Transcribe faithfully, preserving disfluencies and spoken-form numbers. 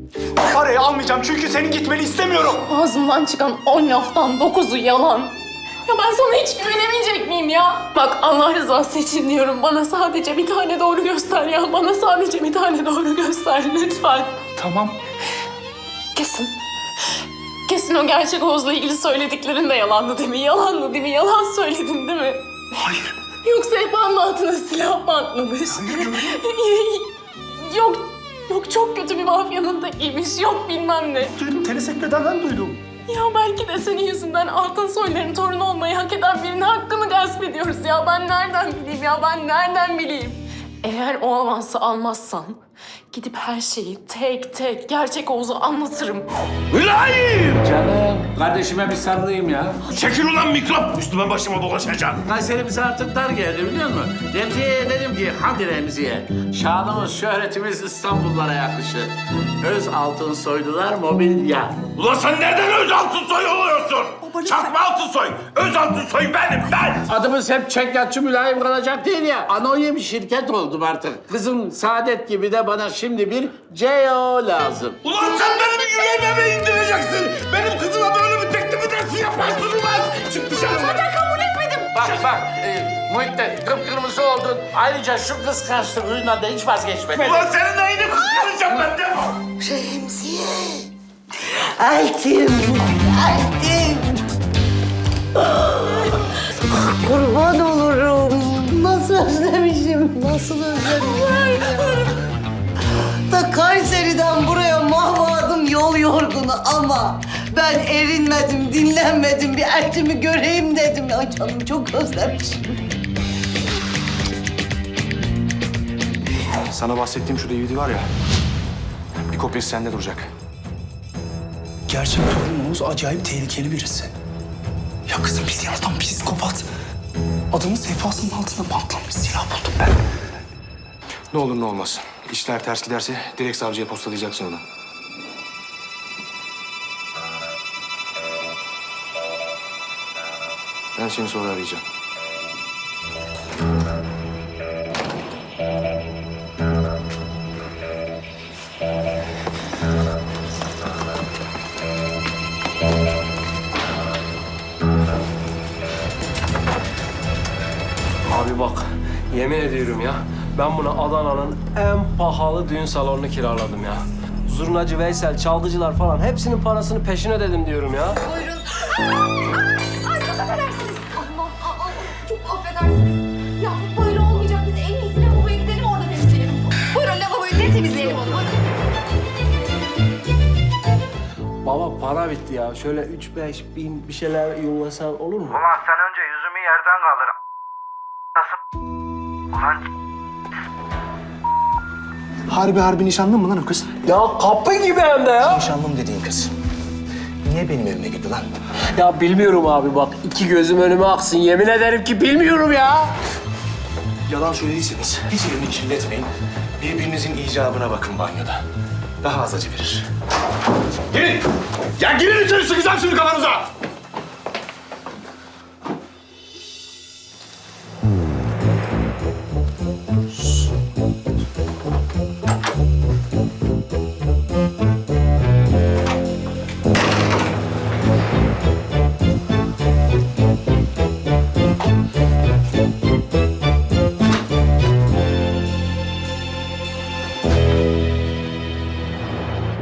Parayı almayacağım çünkü senin gitmeni istemiyorum. Ağzından çıkan on laftan dokuzu yalan. Ya ben sana hiç güvenemeyecek miyim ya? Bak Allah rızası için diyorum. Bana sadece bir tane doğru göster ya. Bana sadece bir tane doğru göster lütfen. Tamam. Kesin. Kesin o gerçek Oğuz'la ilgili söylediklerin de yalandı değil mi? Yalandı değil mi? Yalan söyledin değil mi? Hayır. Yoksa hep altına silah mı atlamış? yok, yok çok kötü bir mafyanın tekiymiş. Yok bilmem ne. Duydum, telesekreterden duydum. Ya belki de senin yüzünden altın soyların torunu olmayı hak eden birinin hakkını gasp ediyoruz ya. Ben nereden bileyim ya? Ben nereden bileyim? Eğer o avansı almazsan gidip her şeyi tek tek gerçek Oğuz'a anlatırım. Mülayim! Canım, kardeşime bir sarılayım ya. Çekil ulan mikrop! Üstüme başıma dolaşacaksın. Kayseri bize artık dar geldi biliyor musun? Remziye'ye dedim ki, hadi Remziye. Şanımız, şöhretimiz İstanbullara yakışır. Öz altın soydular mobilya. Ulan sen nereden öz altın soy oluyorsun? Çakma altın soy! Öz altın soy benim, ben! Adımız hep çekyatçı mülayim kalacak değil ya. Anonim şirket oldum artık. Kızım Saadet gibi de bana şimdi bir C E O lazım. Ulan sen benim yüreğime mi indireceksin? Benim kızıma böyle bir teklifi dersi yaparsın ulan! Çık dışarı! Zaten kabul etmedim. Bak bak, e, Muhittin kıpkırmızı oldun. Ayrıca şu kıskançlık huyundan da hiç vazgeçmedin. Ulan senin neyini kıskanacağım ben defol! Remziye. Eltim. Eltim. Kurban olurum. Nasıl özlemişim, nasıl özlemişim. Ta Kayseri'den buraya mahvadım yol yorgunu ama ben erinmedim, dinlenmedim. Bir eltimi göreyim dedim. Ay canım çok özlemişim. Sana bahsettiğim şu D V D var ya, bir kopyası sende duracak. Gerçek torun Oğuz acayip tehlikeli birisi. Ya kızım bildiğin adam psikopat. Adamın sehpasının altında bantlanmış silah buldum ben. Ne olur ne olmaz. İşler ters giderse direkt savcıya postalayacaksın onu. Ben seni sonra arayacağım. Abi bak, yemin ediyorum ya, ben buna Adana'nın en pahalı düğün salonunu kiraladım ya. Zurnacı Veysel, çalgıcılar falan hepsinin parasını peşin ödedim diyorum ya. Buyurun. Ay çok affedersiniz. Allah Allah çok affedersiniz. Ya böyle olmayacak. Biz en iyisi lavaboya gidelim orada temizleyelim. Buyurun lavaboyu ne temizleyelim onu. Buyurun. Baba para bitti ya. Şöyle üç beş bin bir şeyler yollasan olur mu? Ulan sen önce yüzümü yerden kaldır. Nasıl? Ulan Harbi harbi nişanlın mı lan o kız? Ya kapı gibi hem de ya. Nişanlım dediğin kız. Niye benim evime girdi lan? Ya bilmiyorum abi bak, iki gözüm önüme aksın. Yemin ederim ki bilmiyorum ya. Yalan söylediyseniz hiç elini kirletmeyin. Birbirinizin icabına bakın banyoda. Daha az acı verir. Girin! Ya girin içeri sıkacağım şimdi kafanıza!